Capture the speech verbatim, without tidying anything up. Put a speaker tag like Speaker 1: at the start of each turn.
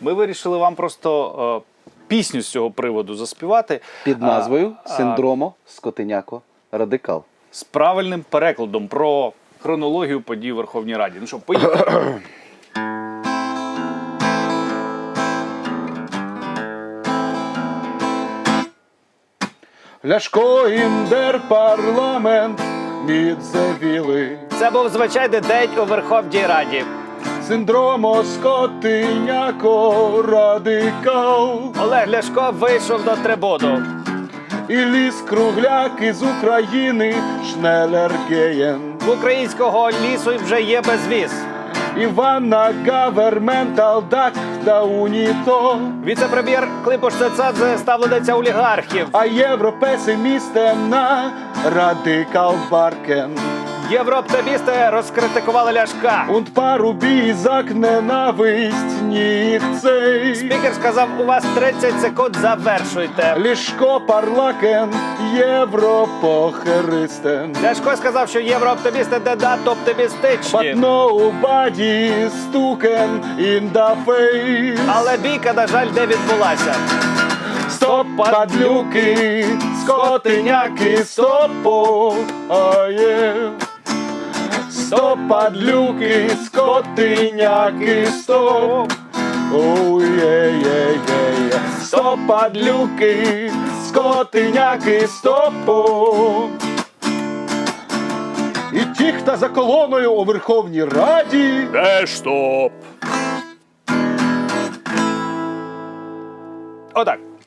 Speaker 1: Ми вирішили вам просто е, пісню з цього приводу заспівати.
Speaker 2: Під назвою
Speaker 1: а,
Speaker 2: «Синдромо Скотиняко Радикал».
Speaker 1: З правильним перекладом про хронологію подій у Верховній Раді. Ну що, поїхали.
Speaker 2: Ляшко індер парламент мідзавіли.
Speaker 1: Це був звичайний день у Верховній Раді.
Speaker 2: Синдромо Скотиняко Радикал.
Speaker 1: Олег Ляшко вийшов до трибуну.
Speaker 2: І ліс кругляк із України Шнелергеєн.
Speaker 1: В українського лісу вже є безвіз.
Speaker 2: Івана Гаверментал дак да уніто.
Speaker 1: Віце-прем'єр Климпуш Цецадзе ставлениця олігархів.
Speaker 2: А європесимістем на Радикал Баркен.
Speaker 1: Єврооптимісти розкритикували Ляшка.
Speaker 2: Und парубій зак ненависть ніх цей.
Speaker 1: Спікер сказав, у вас тридцять секунд, завершуйте.
Speaker 2: Лішко парлакен, європохеристен.
Speaker 1: Ляшко сказав, що єврооптимісти не надто оптимістичні.
Speaker 2: But nobody stuken in the face.
Speaker 1: Але бійка, на жаль, не відбулася.
Speaker 2: Стоп, падлюки, скотиняки, стопо, а є. Стоп, падлюки, скотиняки, стоп. Оу, є, є, є, є. Стоп, падлюки, скотиняки, стопо. І ті, хто за колоною у Верховній Раді.
Speaker 1: Де стоп? Отак.